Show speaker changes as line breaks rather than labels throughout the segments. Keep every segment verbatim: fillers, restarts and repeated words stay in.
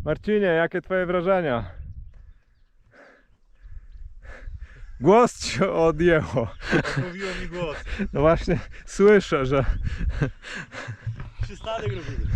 Marcinie, jakie twoje wrażenia? Głos ci odjęło.
Mówiło mi głos.
No właśnie, słyszę, że...
Przystanek robimy.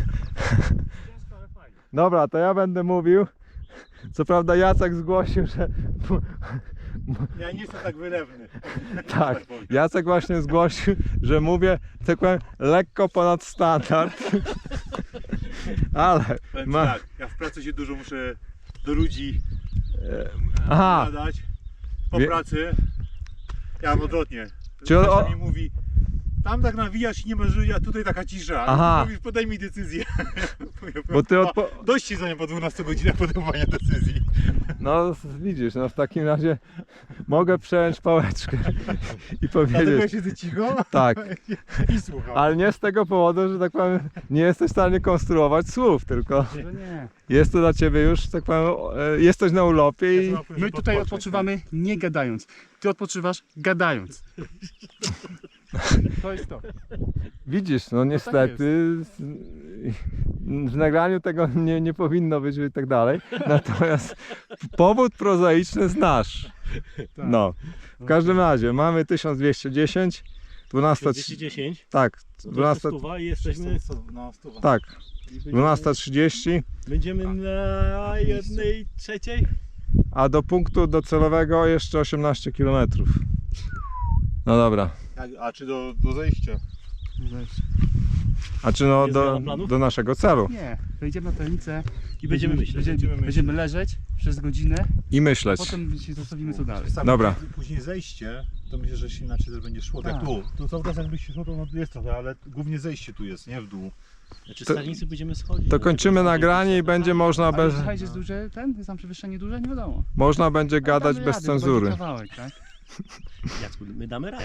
Dobra, to ja będę mówił. Co prawda Jacek zgłosił, że...
Ja nie jestem tak wylewny.
Tak, Jacek właśnie zgłosił, że mówię, tak powiem, lekko ponad standard. Ale...
Powiem
Ma...
tak, ja w pracy się dużo muszę do ludzi
Aha.
gadać. Po
Wie...
pracy ja mam odwrotnie.
Czy o-
Kasia mi mówi, tam tak nawijasz i nie masz ludzi, a tutaj taka cisza.
Aha.
A ty mówisz, podaj mi decyzję.
Bo ty odpo...
Dość ci zajmie po dwunastu godzinach podejmowania decyzji.
No widzisz, no w takim razie mogę przejąć pałeczkę i
Dlatego ja
powiedzieć...
siedzę cicho
Tak,
i słucham.
ale nie z tego powodu, że tak powiem, nie jesteś w stanie konstruować słów, tylko
No nie.
jest to dla ciebie już, tak powiem, e, jesteś na urlopie i...
My tutaj odpoczywamy nie gadając. Ty odpoczywasz gadając. To jest to.
Widzisz, no niestety w nagraniu tego nie, nie powinno być i tak dalej, natomiast powód prozaiczny znasz. No, w każdym razie mamy tysiąc dwieście dziesięć, dwunasta...
dwieście dziesięć,
Tak,
to
dwunasta...
stuwa i jesteśmy,
No, stuwa.
Tak,
i będziemy,
dwunasta trzydzieści,
będziemy na jednej trzeciej.
a do punktu docelowego jeszcze osiemnaście kilometrów. No dobra,
Jak, a czy do, do zejścia?
a czy no
Jest
do,
zmiana planów?
do naszego celu
Nie, wejdziemy na tajemnicę
I będziemy myśleć.
Będziemy,
będziemy
będziemy leżeć przez godzinę,
i myśleć.
potem się zastanowimy co dalej.
Sam
Dobra.
Później zejście, to myślę, że się inaczej też będzie szło. Tak,
Tak.
tu. Tu cały czas jakbyś się szło, to no jest trochę, ale głównie zejście tu jest, nie w dół.
Znaczy
To-
stanicy będziemy schodzić.
To
no,
kończymy
tylko
nagranie i będzie można
Ale
bez,
słuchajcie, jest duże, ten, jest tam przewyższenie duże, nie wiadomo.
można będzie gadać
Damy
bez
radę, to będzie
cenzury.
Kawałek, tak?
Jacku, my damy radę.